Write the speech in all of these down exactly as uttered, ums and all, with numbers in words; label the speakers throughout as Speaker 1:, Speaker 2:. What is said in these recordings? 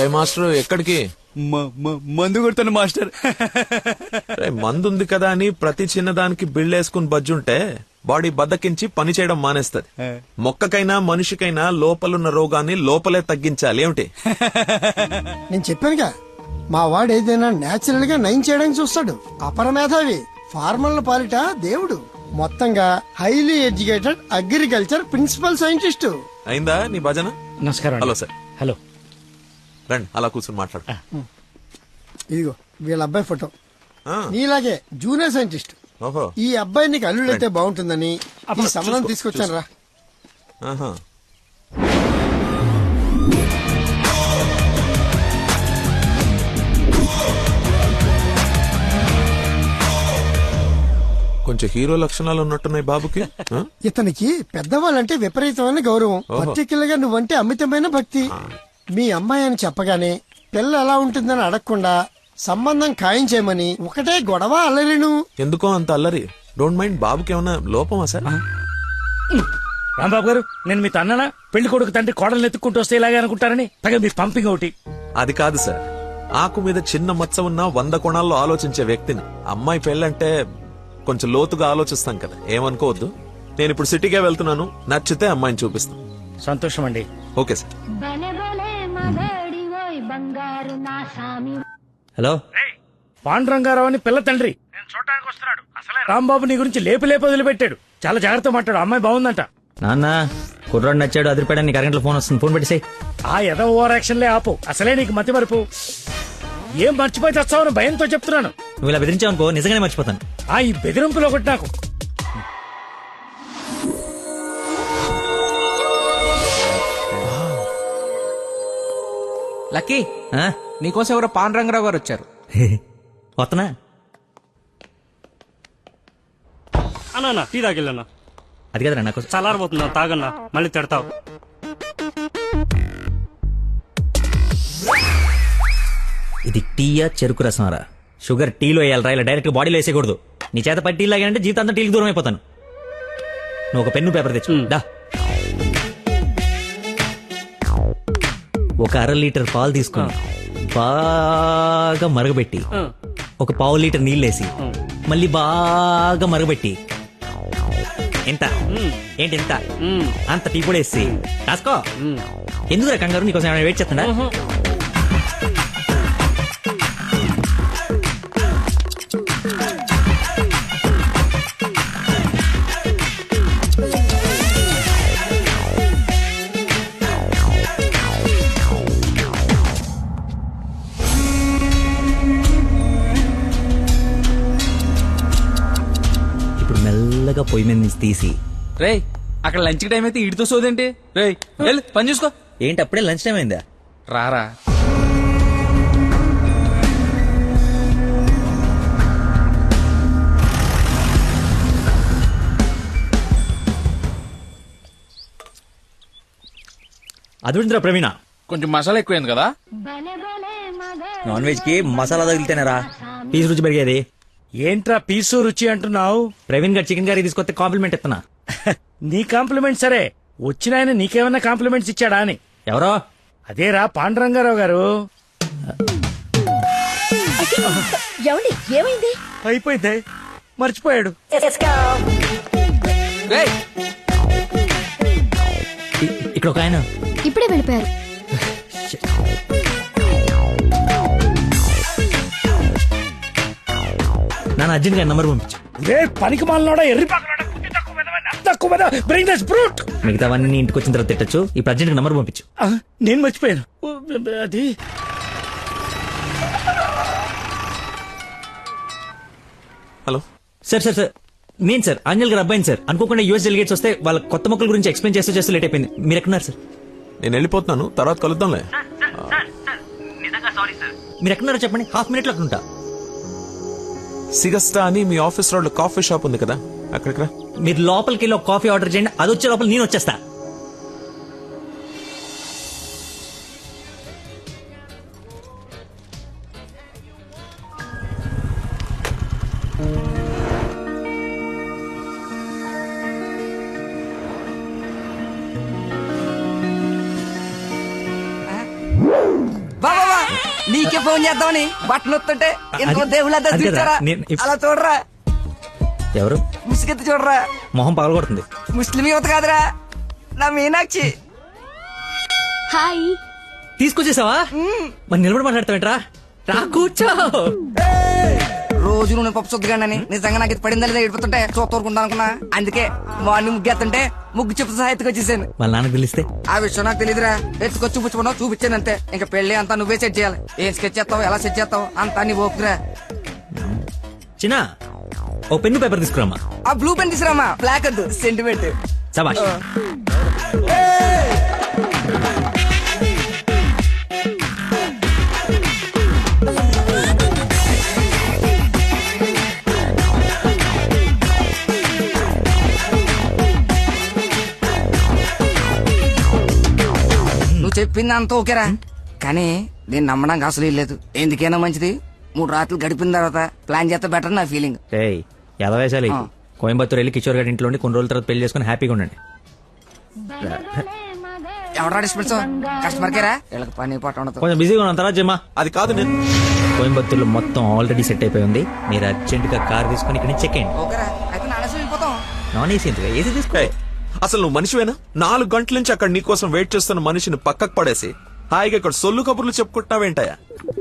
Speaker 1: Master ఎక్కడికి?
Speaker 2: మందు కొడుతాను master.
Speaker 1: మందు ఉంది కదా అని ప్రతి చిన్నదానికి బిళ్ళేసుకుని బజ్జుంటే బాడీ బద్దకించి పని చేయడం మానేస్తది. మొక్కకైనా మనిషికైనా లోపలున్న రోగాన్ని లోపలే తగ్గించాలి. ఏమిటి?
Speaker 3: నేను చెప్పానుగా, మా వాడు ఏదైనా నేచురల్ గా నయం చేయడానికి చూస్తాడు. అపరమేధావి, ఫార్మల్ పాలిట దేవుడు. మొత్తంగా highly educated agriculture principal scientist.
Speaker 1: అయిందా నీ భజన?
Speaker 4: నమస్కారం.
Speaker 1: Hello sir.
Speaker 4: హలో,
Speaker 1: రండి అలా కూర్చొని మాట్లాడు.
Speaker 3: ఇదిగో వీళ్ళ అబ్బాయి ఫోటో.
Speaker 1: ఆ,
Speaker 3: నీలాగే జూనియర్ సైంటిస్ట్.
Speaker 1: ఓహో.
Speaker 3: ఈ అబ్బాయి నీకు అల్లుడైతే బాగుంటుందని ఈ సంబంధం తీసుకొచ్చాను రా.
Speaker 1: ఆహా. కొంచెం హీరో లక్షణాలు ఉన్నట్టున్నాయి బాబుకి. ఆ?
Speaker 3: ఇతనికి పెద్దవాళ్ళంటే విపరీతమైన గౌరవం, పర్టికులర్ గా నువ్వంటే అమితమైన భక్తి. మీ అమ్మాయి అని చెప్పగానే పిల్ల ఎలా ఉంటుందని అడగకుండా సంబంధం ఖాయం చేయమని ఒకటే గొడవ అల్లరిను.
Speaker 1: ఎందుకో అంత అల్లరి? Don't mind. బాబుకి ఏమన్నా లోపమా సార్?
Speaker 4: రాంబాబు గారు, నేను మీ తన్ననా? పెళ్లి కొడుకు తండ్రి కోడలు ఎత్తుక్కుంటూ వస్తే ఇలాగే అనుకుంటారని పైగా మీ పంపింగ్ ఒకటి.
Speaker 1: అది కాదు సార్, ఆకు మీద చిన్న మచ్చ ఉన్న వంద కోణాల్లో ఆలోచించే వ్యక్తిని. అమ్మాయి పెళ్ళంటే కొంచెం లోతుగా ఆలోచిస్తాం కదా, ఏమనుకోవద్దు. నేను ఇప్పుడు సిటీకే వెళ్తున్నాను, నచ్చితే అమ్మాయిని చూపిస్తాను.
Speaker 4: సంతోషం అండి.
Speaker 1: Okay sir.
Speaker 5: హలో,
Speaker 4: పాండురంగారావు అని పిల్ల తండ్రి నేను చూడటానికి వస్తున్నాడు. అసలే రాంబాబు నీ గురించి లేపి లేపి వదిలిపెట్టాడు. చాలా జాగ్రత్త మాట్లాడు. అమ్మాయి బాగుందంట.
Speaker 5: నాన్న కుర్రాడు నచ్చాడు, అదిరిపాడని నీకు అరగంటలో ఫోన్ వస్తుంది, ఫోన్ పెట్టేసాయి.
Speaker 4: ఆ ఎద ఓవర్ యాక్షన్లే ఆపు. అసలే నీకు మతి మరుపు. ఏం మర్చిపోయి తెస్తావని భయంతో చెప్తున్నాను.
Speaker 5: నువ్వు ఇలా బెదిరించావు అనుకో నిజంగానే మర్చిపోతాను.
Speaker 4: ఆ ఈ బెదిరింపులో ఒకటి నాకు.
Speaker 2: లక్కీ,
Speaker 5: ఆ?
Speaker 2: నీకోసం ఎవరో పాన్ రంగరావు గారు వచ్చారు.
Speaker 5: వస్తున్నా.
Speaker 6: అన్నా టీ తాగిల్లన్నా.
Speaker 5: అది కదరా నాకు
Speaker 6: చల్లారబోతున్నా, తాగన్నా, మళ్ళీ తిడతావు.
Speaker 5: ఇది టీయా చెరుకు రసమారా? షుగర్ టీలో వేయాలరా, ఇలా డైరెక్ట్ బాడీలో వేసేయకూడదు. నీ చేత పట్టి టీ లాగానంటే జీవితం అంతా టీకి దూరం అయిపోతాను. నువ్వు ఒక పెన్ను పేపర్ తెచ్చు. దా. ఒక అర లీటర్ పాలు తీసుకుని బాగా మరగబెట్టి ఒక పావు లీటర్ నీళ్ళేసి మళ్ళీ బాగా మరగబెట్టి ఎంత ఏంటి ఎంత అంత టీ కూడా వేసి రాసుకో. ఎందుకు కంగారు? నీకోసం ఏమైనా వెయిట్ చేస్తుందా? మెల్లగా పొయ్యి మీద నుంచి తీసి.
Speaker 2: రేయ్, అక్కడ లంచ్ టైం అయితే ఇడితో సోదేంటి? రేయ్ వెళ్ళు, పని చూసుకో.
Speaker 5: ఏంటి అప్పుడే లంచ్ టైం అయిందా?
Speaker 2: రారా.
Speaker 5: అదుందిరా ప్రవీణ,
Speaker 2: కొంచెం మసాలా ఎక్కువైంది కదా.
Speaker 5: నాన్ వెజ్ కి మసాలా తగిలితేనేరా పీసు రుచి పెరిగేది.
Speaker 4: ఏంట్రా పీసు రుచి అంటున్నావు?
Speaker 5: ప్రవీణ్ గారు చికెన్ కర్రీ తీసుకొస్తే కాంప్లిమెంట్ ఇస్తున్నా.
Speaker 4: నీ కాంప్లిమెంట్ సరే, వచ్చిన ఆయన నీకేమన్నా కాంప్లిమెంట్స్ ఇచ్చాడా అని.
Speaker 5: ఎవరో?
Speaker 4: అదేరా పాండురంగారావు గారు.
Speaker 7: ఏమైంది?
Speaker 4: అయిపోయింది, మర్చిపోయాడు.
Speaker 2: రేయ్,
Speaker 5: ఇ- ఇక్కడ ఒక ఆయన.
Speaker 7: ఇప్పుడే వెళ్ళిపోయారు.
Speaker 5: నాన్న అర్జెంట్ గా నంబర్ పంపించు.
Speaker 4: రే పనికి మాలనోడా, ఎర్రి పక్కనోడా, గుడ్డి తక్కువ వెధవా, నత్త తక్కువ వెధవా, bring this brute.
Speaker 5: మిగతావన్నీ ఇంటికి వచ్చిన తర్వాత తిట్టచ్చు. ఇప్పుడు అర్జెంట్ గా నంబర్ పంపించు.
Speaker 4: ఆ, నేను మర్చిపోయాను. ఓ, అది
Speaker 1: హలో
Speaker 5: సార్ సార్ సార్ నేను సార్ అంజల్ గారు అబ్బాయిని సార్. అనుకోకుండా యూఎస్ డెలిగేట్స్ వస్తే వాళ్ళ కొత్త మొక్కల గురించి ఎక్స్ప్లెయిన్ చేస్తూ చేస్తూ లేట్ అయిపోయింది. మీరు ఎక్కడున్నారు సార్?
Speaker 1: నేను వెళ్ళిపోతున్నాను, తర్వాత కలుద్దాంలే.
Speaker 5: మీరు ఎక్కడున్నారో చెప్పండి, హాఫ్ మినిట్ లో అక్కడ ఉంటా.
Speaker 1: సిగస్టా అని మీ ఆఫీస్ రోడ్ కాఫీ షాప్ ఉంది కదా, అక్కడికి రా.
Speaker 5: మీరు లోపలికి వెళ్ళి ఒక కాఫీ ఆర్డర్ చేయండి, అది వచ్చే లోపల నేను వచ్చేస్తా.
Speaker 2: బావా
Speaker 7: నీకే ఫోన్ చేద్దామని బట్టలు వస్తుంటే ఇంకో
Speaker 5: అది-
Speaker 7: దేవుళ్ళ
Speaker 5: అది కదా,
Speaker 7: చూచారా
Speaker 5: నేను ఇప్-
Speaker 7: అలా చూడరా
Speaker 5: ఎవరు
Speaker 7: ముసుగెత్తి చూడరా
Speaker 5: మొహం పగలగొడుతుంది.
Speaker 7: ముస్లిం యువత కాదురా నా మీనాక్షి.
Speaker 8: హాయ్.
Speaker 5: తీసుకొచ్చేసావా? మరి నిలబడి మాట్లాడతావేంట్రా? రా కూర్చో.
Speaker 7: రోజు నువ్వు పప్పు చుద్దగానని నిజంగా నాకు ఇది పడిందా లేదా ఏడిపోతుంటే చూస్తూరుకుంటా అనుకున్నా. అందుకే మార్నింగ్ ముగ్గు ఎత్తుంటే ముగ్గు చెప్తే సహా ఎత్తుకొచ్చేసాను.
Speaker 5: వాళ్ళ నాన్నకు తెలిస్తే
Speaker 7: ఆ విషయం నాకు తెలియదురా. ఎత్తుకొచ్చి చూపించుకున్నావు చూపించాను అంతే. ఇంకా పెళ్లి అంతా నువ్వే సెట్ చేయాలి. ఏం స్కెచ్ చేస్తావు ఎలా సెట్ చేస్తావు అంతా నీ ఓపుకురా.
Speaker 5: చిన్న ఓ పెన్ను పేపర్ తీసుకురామా.
Speaker 7: ఆ బ్లూ పెన్ తీసురామా, బ్లాక్ వద్దు, సెంటిమెంట్.
Speaker 5: సబాష్.
Speaker 7: నువ్వు చెప్పింది అంత ఓకేరా, కానీ నేను నమ్మడానికి అసలు లేదు. ఎందుకైనా మంచిది మూడు రాత్రులు గడిపిన తర్వాత ప్లాన్ చేస్తే బెటర్ నా ఫీలింగ్.
Speaker 5: ఏయ్ ఎలా వేసాలి?
Speaker 7: ఆ.
Speaker 5: కోయంబత్తూర్ వెళ్ళి కిషోర్ గారి ఇంట్లో ఉండి కొన్ని రోజుల తర్వాత పెళ్లి చేసుకుని హ్యాపీగా ఉండండి.
Speaker 7: ఎవరా డిస్పెన్స్ కస్టమర్ కేరా? వీళ్ళకి పని పాట ఉండదు.
Speaker 5: కొంచెం బిజీగా ఉన్నాం, తర్వాత జమ్మా.
Speaker 1: అది కాదు నేను
Speaker 5: కోయంబత్తూర్లో మొత్తం ఆల్రెడీ సెట్ అయిపోయి ఉంది. మీరు అర్జెంట్ గా కార్ తీసుకుని ఇక్కడ నుంచి చెక్ అయ్యండి.
Speaker 7: ఓకేరా, అయితే నానేసి వెళ్ళిపోతాం.
Speaker 5: నాన్ ఏసీ ఎందుకు? ఏసీ తీసుకో.
Speaker 1: ఏయ్, అసలు నువ్వు మనిషివేనా? నాలుగు గంటల నుంచి అక్కడ నీకోసం వెయిట్ చేస్తున్న మనిషిని పక్కకు పడేసి హాయిగా ఇక్కడ సొల్లు కబుర్లు చెప్పుకుంటున్నావేంటయా?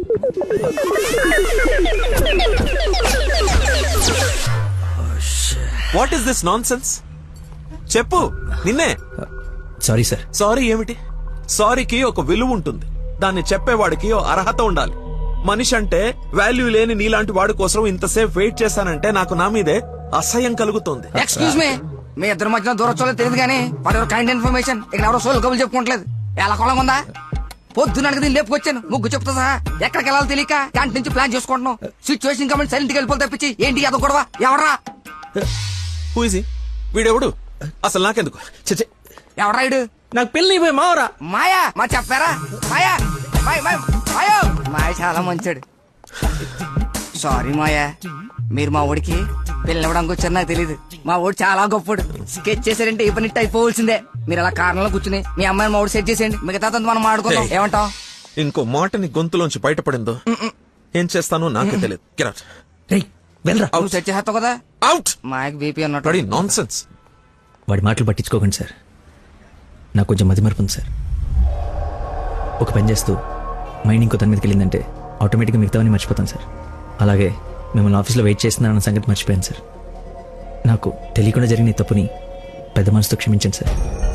Speaker 1: What is this nonsense? చెప్పు, నిన్నే.
Speaker 5: Sorry sir.
Speaker 1: సారీ ఏమిటి? సారీకి ఒక విలువ ఉంటుంది. దాన్ని చెప్పేవాడికి ఓ అర్హత ఉండాలి. మనిషి అంటే వాల్యూ లేని నీలాంటి వాడి కోసం ఇంతసేపు వెయిట్ చేశానంటే నాకు నా మీదే అసహ్యం కలుగుతోంది.
Speaker 7: ఎక్స్క్యూజ్ మీ, మీ ఇద్దరు మధ్యన దూరం చూడలేదు తెలియదు కానీ వాడు కైండ్ ఇన్ఫర్మేషన్ ఇక్కడ ఎవరో సోల్ కబులు చెప్పుకోవట్లేదు. ఎలా కొలం ఉందా? పొద్దున దీన్ని లేపుకొచ్చాను ముగ్గు చెప్తా సహా. ఎక్కడికి వెళ్ళాలో తెలియక క్యాంటీన్ నుంచి ప్లాన్ చేసుకుంటున్నాం. సిచ్యువేషన్ కాబట్టి సైలెంట్ గా వెళ్ళిపోతే తప్పించి ఏంటి అదో గొడవ? ఎవరా
Speaker 1: Who is he? వీడెవడు? అసలు నాకెందుకు? చచ్చే,
Speaker 7: ఎవరా ఇడు?
Speaker 5: నాకు పెళ్లి అయిపోయి మావరా.
Speaker 7: మాయా మా చెప్పారా? మాయా మాయ మాయ మాయో మాయ చాలా మంచాడు. సారీ మాయా, మీరు మా ఊడికి పిల్లవడానికి వచ్చారు నాకు తెలియదు. మా ఊడు చాలా గొప్పడు. స్కెచ్ చేశారంటే ఈ పని అయిపోవలసిందే. మీరు అలా కారణంలో కూర్చుని మీ అమ్మాయిని మా ఊడు సెట్ చేసేయండి. మిగతా మనం మాడుకుందాం.
Speaker 1: Hey.
Speaker 7: ఏమంటావ్?
Speaker 1: ఇంకో మాట నీ గొంతులోంచి బయటపడిందో ఏం చేస్తానో నాకే తెలియదు. Get out.
Speaker 5: రేయ్ వెళ్ళరా.
Speaker 7: నువ్వు సెట్ చేస్తావు కదా.
Speaker 1: Out.
Speaker 7: మాయకి బీపీ అన్నట్టు.
Speaker 1: Bloody nonsense.
Speaker 5: వాడి మాటలు పట్టించుకోకండి సార్. నాకు కొంచెం మతి మరపు ఉంది సార్. ఒక పని చేస్తూ మైండ్ ఇంకో తన మీదకి వెళ్ళిందంటే ఆటోమేటిక్గా మిగతావన్నీ మర్చిపోతాను సార్. అలాగే మిమ్మల్ని ఆఫీస్లో వెయిట్ చేస్తున్నానన్న సంగతి మర్చిపోయాను సార్. నాకు తెలియకుండా జరిగిన ఈ తప్పుని పెద్ద మనసుతో క్షమించండి సార్.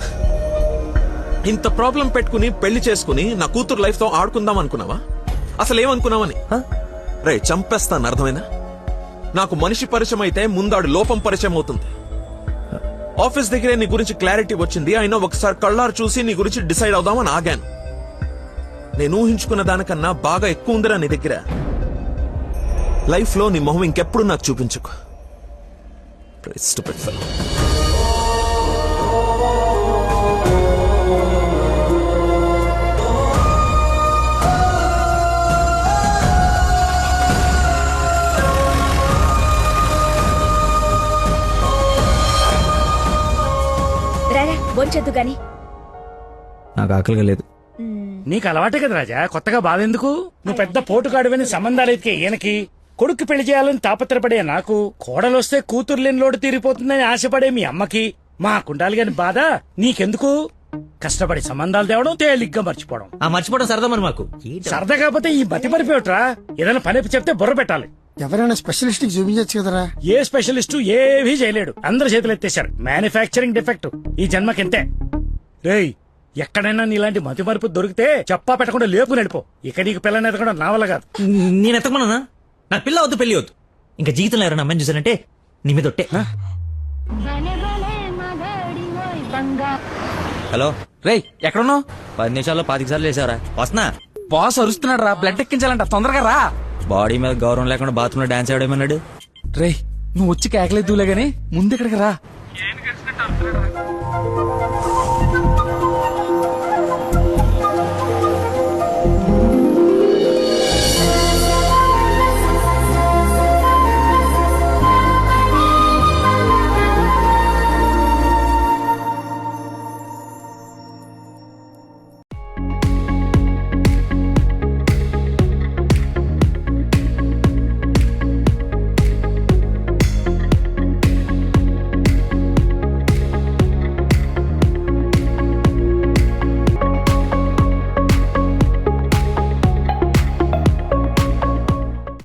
Speaker 1: ఇంత ప్రాబ్లం పెట్టుకుని పెళ్లి చేసుకుని నా కూతురు లైఫ్ తో ఆడుకుందాం అనుకున్నావా? అసలు ఏమనుకున్నావని? రే చంపేస్తాను, అర్థమైనా? నాకు మనిషి పరిచయం అయితే ముందాడు లోపం పరిచయం అవుతుంది. ఆఫీస్ దగ్గరే నీ గురించి క్లారిటీ వచ్చింది. అయినా ఒకసారి కళ్ళారు చూసి నీ గురించి డిసైడ్ అవుదామని ఆగాను. నేను ఊహించుకున్న దానికన్నా బాగా ఎక్కువ ఉందిరా నీ దగ్గర. లైఫ్ లో నీ మొహం ఇంకెప్పుడు నాకు చూపించుకో. Stupid fellow.
Speaker 8: రారా బొంచొద్దు గాని.
Speaker 5: నాకు ఆకలిగా లేదు.
Speaker 4: నీకు అలవాటే కదా రాజా, కొత్తగా బాధ ఎందుకు? నువ్వు పెద్ద పోటుగాడువని సంబంధాలు ఎతికే ఈయనకి, కొడుకు పెళ్లి చేయాలని తాపత్రపడే నాకు, కోడలొస్తే కూతురు లేని లోటు తీరిపోతుందని ఆశపడే మీ అమ్మకి, మా కుండాలి గాని బాధ నీకెందుకు? కష్టపడి సంబంధాలు తేవడం, తేలిగ్గా మర్చిపోవడం.
Speaker 5: ఆ మర్చిపోవడం సరదా మరి మాకు.
Speaker 4: సరదా కాకపోతే ఈ మతి పరిపోయట్రా. ఏదైనా పని చెప్తే బుర్ర పెట్టాలి.
Speaker 3: ఎవరైనా స్పెషలిస్ట్ కి చూపించచ్చు కదరా.
Speaker 4: ఏ స్పెషలిస్టు ఏవీ చేయలేడు. అందరు చేతులు ఎత్తేశారు. మ్యానుఫ్యాక్చరింగ్ డిఫెక్ట్ ఈ జన్మకింతే. రేయ్, ఎక్కడైనా నీలాంటి మతి మరుపు దొరికితే చెప్పా పెట్టకుండా లేపు నడిపో. ఇక నీకు పిల్లని ఎదగడం నా వల్ల కాదు.
Speaker 5: నేను ఎత్తకమన్నా? నాకు పిల్ల వద్దు, పెళ్లి వద్దు. ఇంకా జీవితంలో ఎవరైనా అమ్మాయిని చూసానంటే నీ మీద ఒట్టే. హలో
Speaker 2: రేయ్ ఎక్కడున్నావు?
Speaker 5: పది నిమిషాల్లో పాతిక సార్లు వేసావరా? వస్తున్నా.
Speaker 2: బాస్ అరుస్తున్నాడు రా, బ్లడ్ ఎక్కించాలంట, తొందరగా రా.
Speaker 5: బాడీ మీద గౌరవం లేకుండా బాత్రూమ్ లో డాన్స్ ఆడేమన్నాడు.
Speaker 2: రేయ్ నువ్వు వచ్చి కేకలేదులే గానీ ముందు ఇక్కడికి రా.